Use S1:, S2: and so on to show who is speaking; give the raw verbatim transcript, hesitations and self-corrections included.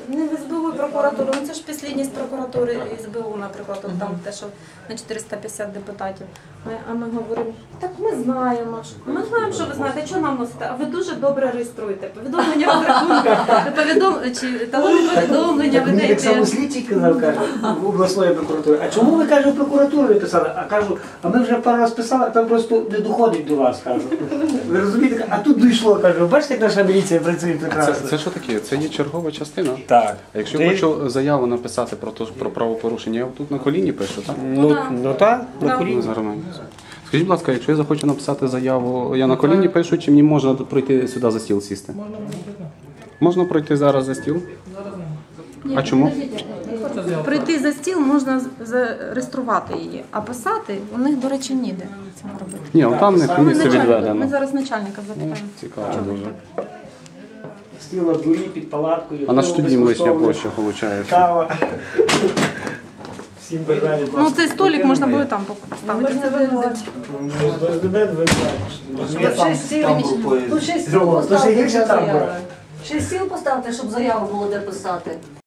S1: не в ес бе у і прокуратуру, ну це ж підслідність прокуратури і ес бе у, наприклад, от там те, що на чотириста п'ятдесят депутатів. Ми, а ми говоримо, так ми знаємо, що- ми знаємо, що ви знаєте, що нам носите, а ви дуже добре реєструєте. Повідомлення в рахунку, повідом... чи талони повідомлення, ви
S2: Мені так само
S1: даєте.
S2: слідчий казав, каже, в обласної прокуратури, а чому ви, каже, в прокуратуру не писали? А кажу, а ми вже пару раз писали, а там просто не доходить до вас, кажу. Ви розумієте? А тут дійшло, кажу, бачите, як наша міліція працює
S3: Це,
S2: прекрасно.
S3: це що таке? Це є чергова частина.
S2: Так.
S3: А якщо
S2: Ти-
S3: я хочу заяву написати про, то, про правопорушення, я тут на коліні пишу, так?
S2: Ну, ну так, на
S1: Так.
S2: коліні.
S3: Ну, зараз ми- Скажіть, будь ласка, якщо я захочу написати заяву, я на коліні пишу, чи мені можна пройти сюди за стіл сісти? Можна пройти. Можна пройти зараз за стіл? А чому?
S1: Прийти за стіл можна з- зареєструвати її, а писати у них, до речі, ніде цього робити.
S3: Ні, от там в них
S1: Ми,
S3: місце
S1: начальника, ми
S3: відведено.
S1: зараз начальника запитаємо.
S3: Цікаво
S1: Чому
S3: дуже.
S1: так?
S2: Стіл на дворі під палаткою.
S3: А на що тоді лишня
S2: безкоштовно,
S3: площа виходить?
S2: Кава. Всім бажаю.
S1: Ну цей столик можна буде там поставити. Це ви-
S4: Тут шість стіл
S2: То ще
S4: поставте,
S2: гірше
S4: щоб
S2: там
S4: заяву.
S2: буде.
S4: Шість стіл поставте, щоб заяву було де писати.